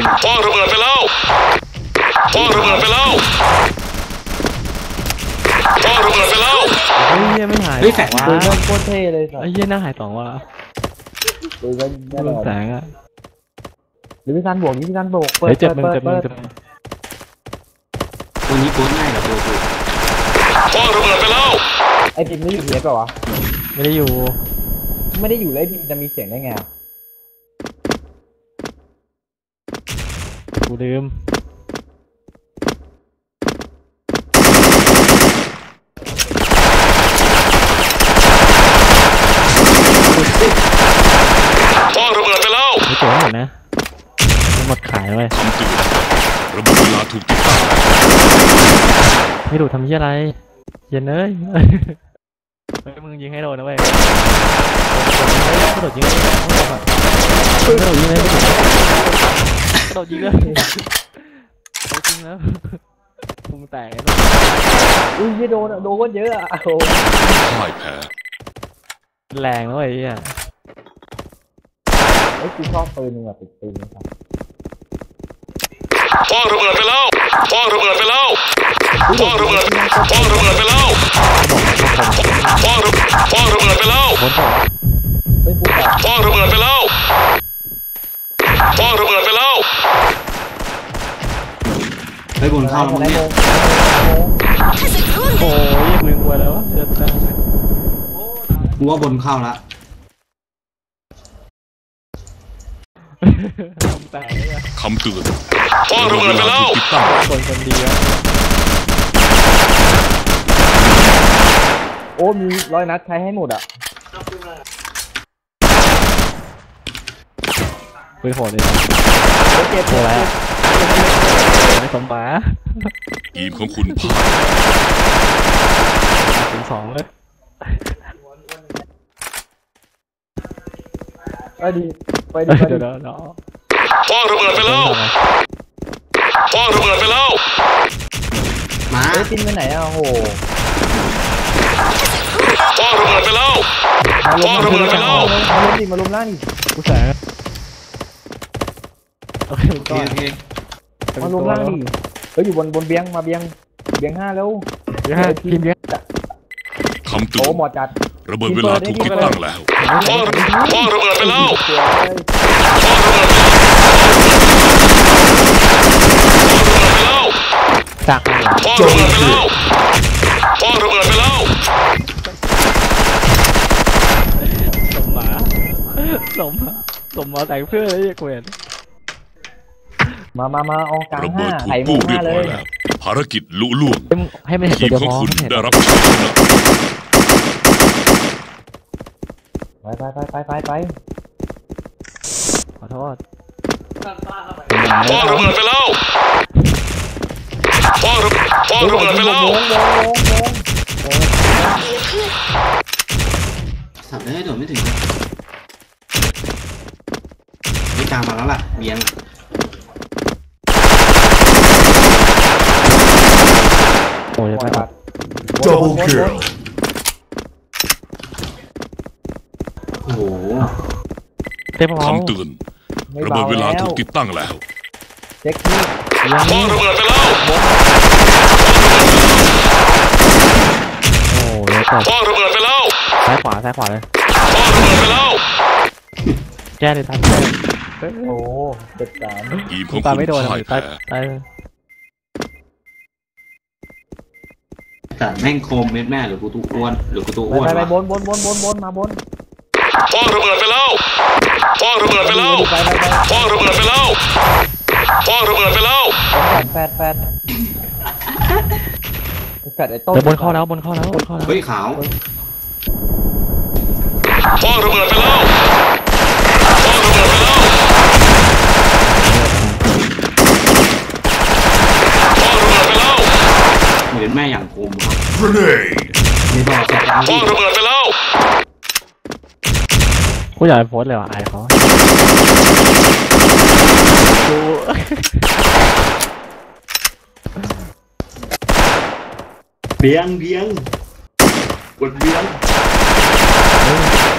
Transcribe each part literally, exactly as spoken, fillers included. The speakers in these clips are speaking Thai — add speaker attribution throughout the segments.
Speaker 1: พ่อระเบิดไปแล้วพ่อระเบิดไปแล้วพ่อระเบิดไปแล้ว
Speaker 2: เฮ้ยยังไม่หาย
Speaker 3: เฮ้ยแฝงว่า
Speaker 4: โคตรเท่เลย
Speaker 2: ไอ้เหี้ยหน้าหายสองว่ะ
Speaker 4: ดูกันแน่นอน
Speaker 2: แสงอ่ะ
Speaker 4: หรือพี่ซันบวกนี่พี่ซันบวกเปิด
Speaker 2: เจ็บมึงเจ็บมึงเจ็บ
Speaker 3: ตัวนี้โคตรง่ายกับตัวกู
Speaker 1: พ่อระเบิดไปแล้ว
Speaker 4: ไอ้พิมไม่อยู่เทปหรอวะ
Speaker 2: ไม่ได้อยู่
Speaker 4: ไม่ได้อยู่แล้วพิมจะมีเสียงได้ไง
Speaker 2: กูลืม
Speaker 1: พ่อระเบิดไปแล้ว
Speaker 2: ไม่เจ๋งหมดนะหมดขายเลย
Speaker 1: คำเตือนระเบิดเวลาถูกติดตั้ง
Speaker 2: ไม่ดูทำยี่อะไรเย็นเลยเฮ้ยมึงยิงให้โดนนะเว้ยกระโดดยิงเลยกระโดดยิงเลยกระโดดยิงเลยเอาจริงแล้วพุงแตก
Speaker 4: อุ้ยโดนโดนก็เยอะอ่ะโอ้
Speaker 1: พ่ายแพ้
Speaker 2: แรงนะเว้ยอ่ะ
Speaker 4: ไอ้กูชอบปืนมึงอ่ะติดปืนนะครับ
Speaker 1: พ่อระเบิดไปแล้วพ่อระเบิดไปแล้วพ่อระเบิดพ่อระเบิดไปแล้วพ่อระพ่อระเบิดไปแล้วพ่อระเบิดไปแล้วพ่อระเบิดไปแล้ว
Speaker 3: ไปบนเข้าแล้วเนี่ย
Speaker 2: โอ้ยมึงกลัวแล้วเดือดจัง
Speaker 3: กูว่าบนเข้าแล้ว
Speaker 1: คำเตือนพ่อระเบิดไปแล้วติดตั้ง
Speaker 2: คนคนดีแล้ว
Speaker 4: โอ้มีร้อยนัดใช้ให้หมดอ่ะ
Speaker 2: ไปโหดเลย
Speaker 4: เจ็บเลย
Speaker 2: ไม่สมบ้า
Speaker 1: ทีมของคุณพ่าย
Speaker 2: ถึงสองเลย
Speaker 4: ไปดีไปดี
Speaker 2: เดี๋ยวเดี๋ยว
Speaker 1: พ่อระเบิดไปแล้วพ่อระเบิดไปแล้ว
Speaker 3: มา
Speaker 4: ไอ้จินไปไหนอ่ะโห
Speaker 1: พ่อระเบิดไปแล้วพ่อระเบิดไปแล้ว
Speaker 4: มาล้มดิมาล้มล่างดิ
Speaker 2: กูแสงโอเค
Speaker 3: โอเค
Speaker 4: มาล้มล่างดิเฮ้ยอยู่บนบนเบียงมาเบียงเบียงห้าแล้ว
Speaker 2: เบียงห้าทีมเบียง
Speaker 1: คำเตือน
Speaker 4: โอ้หมอจัด
Speaker 1: ระเบิดเวลาถูกติดตั้งแล้วพ่อพ่อระเบิดไปแล้ว
Speaker 2: จาก
Speaker 1: พ่อระเบิดไปแล้วพ่อระเบิดไปแล้ว
Speaker 2: สมมาสมมาสมมาแต่งเพื่อเลยเกวียน
Speaker 4: มามามาเอากลางห้า
Speaker 1: ไข่หมูห้าเลยภารกิจลุล่วง
Speaker 2: ให้ไม่เห็นทีมของคุณ
Speaker 1: ได้รับชัยชนะ
Speaker 4: ไปไปไปไปไปไป
Speaker 2: ขอโทษ
Speaker 1: พ่อระเบิดไปแล้วพ่อระพ่อระเบิดไปแล้ว
Speaker 3: สับได้โดดไม่ถึงไม่กลางมาแล้วล่ะเบียง
Speaker 2: โอ้ยไปตัด
Speaker 1: โจบูเคิล
Speaker 3: โอ้โห
Speaker 1: คำเตือนระเบิดเวลาถูกติดตั้งแล้ว
Speaker 4: เช็คที่
Speaker 1: พ่อระเบิดไปแล้ว
Speaker 2: โอ้ย
Speaker 1: พ่อระเบิดไปแล้ว
Speaker 2: ซ้ายขวาซ้ายขวาเลย
Speaker 1: พ่อระเบิดไปแล้ว
Speaker 2: แก้เลยทัน
Speaker 4: โอ้เจ็ดสาม
Speaker 1: ทีมของคุณพ่ายแพ้
Speaker 3: แต่แม่งโคมเม็ดแม่หรือกูตัวอ้วนหรือกูตัวอ้วน
Speaker 4: ไปไปบนบนบนบนบนมาบน
Speaker 1: พ่อระเบิดไปแล้วพ่อระเบิดไปแล้วพ่อระเบิดไปแล้วพ่อระเบิดไปแล้ว
Speaker 4: แปดแปดแปดไอ้ต้น
Speaker 2: บนเข้าแล้วบนเข้าแล้วบนเข้าแล้ว
Speaker 3: เฮ้ยขาว
Speaker 1: พ่อระเบิดไปแล้วพ่อระเบิดไปแล้วพ่อระเบิดไปแล้ว
Speaker 3: เหมือนแม่อย่างคมครับมีบอกแกจะเอา
Speaker 1: พ่อระเบิดไปแล้ว
Speaker 2: กูอยากไปโพสเลยว่ะไอ้เขากู
Speaker 3: เบียงเบียงกดเบียง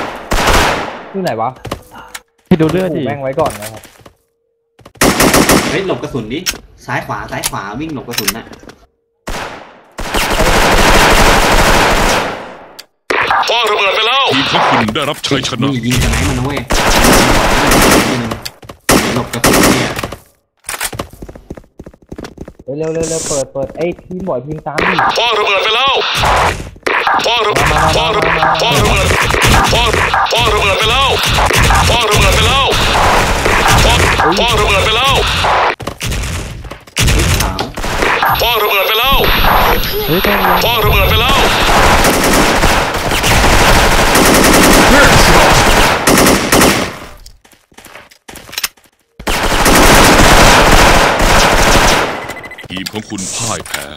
Speaker 4: ที่ไหนวะ
Speaker 2: ให้ดูเลือดดิ
Speaker 4: แม่งไว้ก่อนนะครับ
Speaker 3: เฮ้ยหลบกระสุนดิซ้ายขวาซ้ายขวาวิ่งหลบกระสุนน่ะ
Speaker 1: คว้างระเบิดไปแล้วทีมของคุณได้รับชัยชนะ
Speaker 3: นี่ยิงสไนมันนะเว้ยหลบกระสุนเนี่ย
Speaker 4: เร็วเร็วเร็วเร็วเปิดเปิดไอ้ทีมบ่อยทีมตามดิ
Speaker 1: คว้างระเบิดไปแล้วคว้างระคว้างระคว้างระเบิดคว้างคว้างระเบิดไปแล้วคว้างระเบิดไปแล้วคว้างคว้างระเบิดไปแล้ว
Speaker 3: ขาว
Speaker 1: คว้างระเบิดไปแล้ว
Speaker 2: เฮ้ยต้อง
Speaker 1: คว้างระเบิดไปแล้วทีมของคุณพ่ายแพ้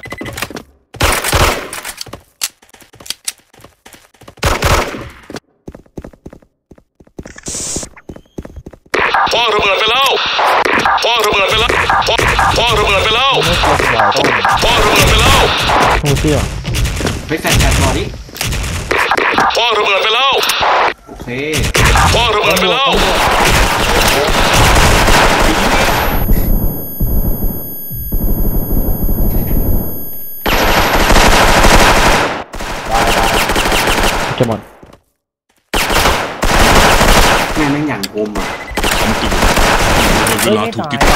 Speaker 1: คว้างระเบิดไปแล้วคว้างระเบิดไปแล้วคว้างระเบิดไปแล้ว
Speaker 4: ไม่กลัวสวายต้อง
Speaker 1: คว้างระเบิดไปแล้ว
Speaker 2: โอ้เชี่ย
Speaker 3: ไปแฟนแฟนบอลดิ
Speaker 1: คว้างระเบิดไปแล้ว
Speaker 3: โอเค
Speaker 1: คว้างระเบิดไปแล้ว
Speaker 2: จะหมด
Speaker 3: แม่แม่งอย่างคมอ่ะ
Speaker 1: คำเตือนเวลาถูกติด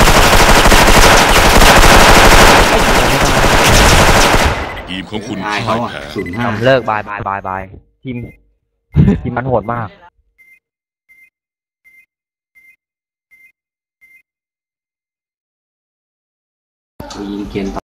Speaker 1: ทีมของคุณ
Speaker 3: ตาย
Speaker 1: พ่า
Speaker 3: เขา
Speaker 1: ย
Speaker 3: อ่ะ
Speaker 1: แพ้
Speaker 3: ศูนย์ห้า
Speaker 4: เลิกบายบายบายบายทีมทีมมันโหดมาก
Speaker 3: ยิงเกียน